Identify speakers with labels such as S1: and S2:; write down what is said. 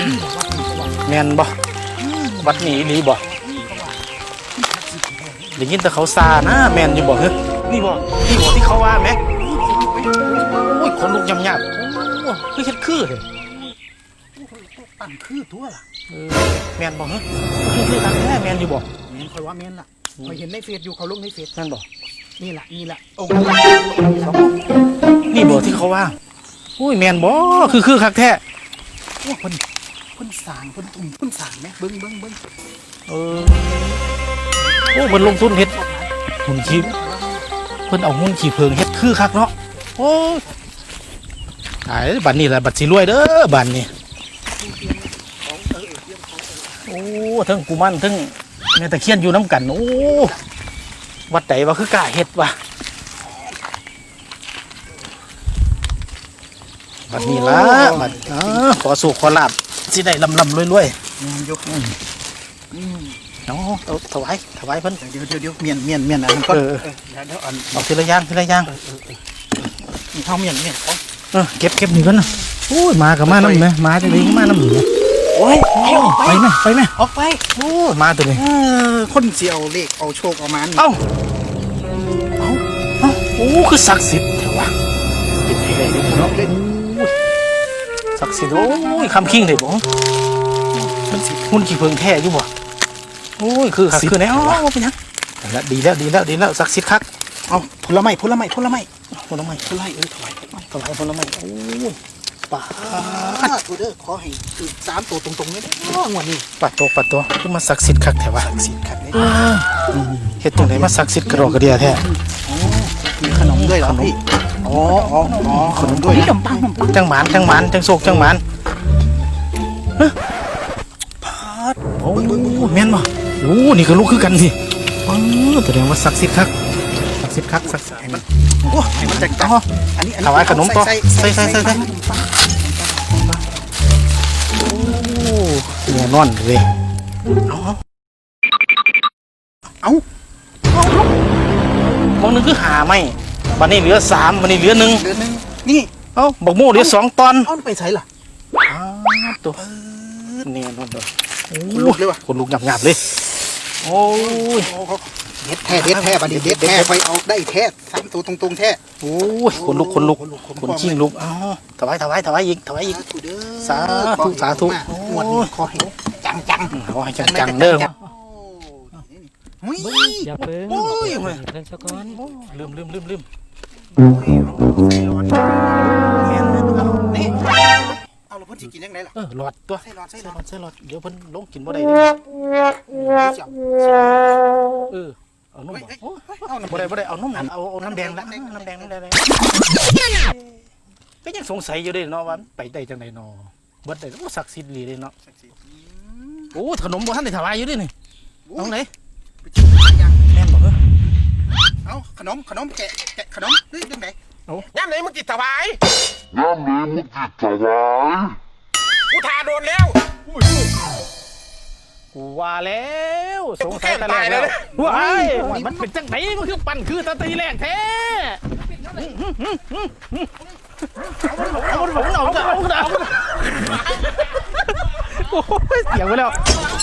S1: แมนบ่วัดนี้นี่บ่ได้ยินแต่เขาซานะแมนอยู่บ่เฮ้ยนี่บ่ที่เขาว่าไหมโอ้ยคนลุกยำยากโอ้คือเฮ็ดคือเลย
S2: ตั้งคือตัวล่ะ
S1: แมนบ่เฮ้ยคือตั้งแท้แมนอยู่บ่
S2: แมนคอยว่าแมนล่ะคอยเห็นในเฟซอยู่เขาลงในเฟซ
S1: นั่นบ่
S2: นี่แหละโอ้
S1: นี่บ่ที่เขาว่าโอ้ยแมนบ่คือคักแท้
S2: โอ้คนสางคนตุ่มคนสางไหมเบิ้ง
S1: โอ้มันลงทุนเฮ็ดหุ่นขี้เพิ่นเอาหุ่นขี้เพิงเฮ็ดคือคักเนาะโอ้ตายบัดนี้แหละบัดสิรวยเด้อบัดนี้โอ้ทั้งกุมารทั้งแม่ตะเคียนอยู่น้ำกันโอ้วัดไหนวะคือกล้าเฮ็ดวะบัดนี้ละบัดขอสู่ขอลาบสิได้ลำรวย
S2: ยก
S1: น้องถวายเพิ่น
S2: เดี๋ยวเมียนอะไรก็
S1: แล้วเอาทีละอย่าง
S2: เท่าเมียน
S1: เก็บนี่ก่อนนะโอ้ยมากับมาน้ำไหมมาจะดีมาน้ำหนู
S2: โอ้ย
S1: ไปไหม
S2: ออกไป
S1: โอ้มาตัวนี้
S2: คนเสียวเลขเอาโชคเอามัน
S1: เอ้าโอ้คือศักดิ์สิทธิ์แถวะเป็นไงเลยเนาะศักดิ์สิทธิ์โอ้ยคำคิงเลยบ่มันหุ่นขี้เพิงแท้อยู่บ่โอ้ยคือแน่เป็นยังดีแล้วศักดิ์สิทธิ์คัก
S2: เอาผลไม้
S1: ถวายผลไม้โอ้ยป่า
S2: ตัวเด้อขอให้คือ3ตัวตรงๆนี่งวดนี้
S1: ปัดตัวคือมาศักดิ์สิทธิ์คักแท้วะ
S2: ศักดิ์สิทธิ์คัก
S1: เฮ็ดจังได๋มาศักดิ์สิทธิ์กระดอกกระเดียแท้
S2: มีขนมด้วยเหรอพี่ขนมด้วยขนมปัง
S1: จังหมานจังโศกจังหมานโอ้แม่นบ่โอ้นี่ก็ลูกคือกันสิแสดงว่าศักดิ์สิทธิ์คัก
S2: ให้มันโอ้ให้มันจังอันนี้
S1: ถวายขนมต่อใส่โอ้เนี่ยนอนเลยเอามองนึงคือหาไม่วันนี้เหลือ3วันนี้เหลือ1
S2: นี่
S1: เอ้าบักโม่เหลือ2ตอน
S2: เอาไปใส่ล่ะ
S1: ตัวเนี่ยนอนเลย
S2: คนลุกเลยว่ะ
S1: คนลุกหยาบเลยโอ้ย
S2: เด็ดแท้บัดนี้เด็ดแท้ไปเอาได้แท้3ตัวตรงๆแท้
S1: โอ้ยคนลุกคนชิงลุกเอ้าถวายอีกสาธุ
S2: หมดขอให้จัง
S1: ขอให้จังเด้อ
S3: อย่าเพิ่งเพิ่งสักก้อน
S1: ลืม
S2: นี่เอาแล้วเพิ่นสิกินยังไงล่ะ
S1: หลอดตัวใส่หลอดเดี๋ยวเพิ่นลงกินบ่ได้เอานมบ่ได้เอานมเอาน้ำแดงละน้ำแดงก็ยังสงสัยอยู่เด้เนาะว่าไปได้จังได๋เนาะเบิดได้ก็ศักดิ์สิทธิ์ดีเด้เนาะโอ้ขนมบ่ทันได้ถวายอยู่เด้นี่น้องไหนแม่นบ่
S2: เอาขนมแกะขนมหรือจังได๋
S4: ย่ำไหนมึงจิตถวายกูทาโดนแล้ว
S1: กูว่าแล้วสงสัยตะแรกแล้วว้ายมันเป็นจังไหนมันคือปั่นคือตะตีแรกแท้เอาโอ้ยเสียงไปแล้ว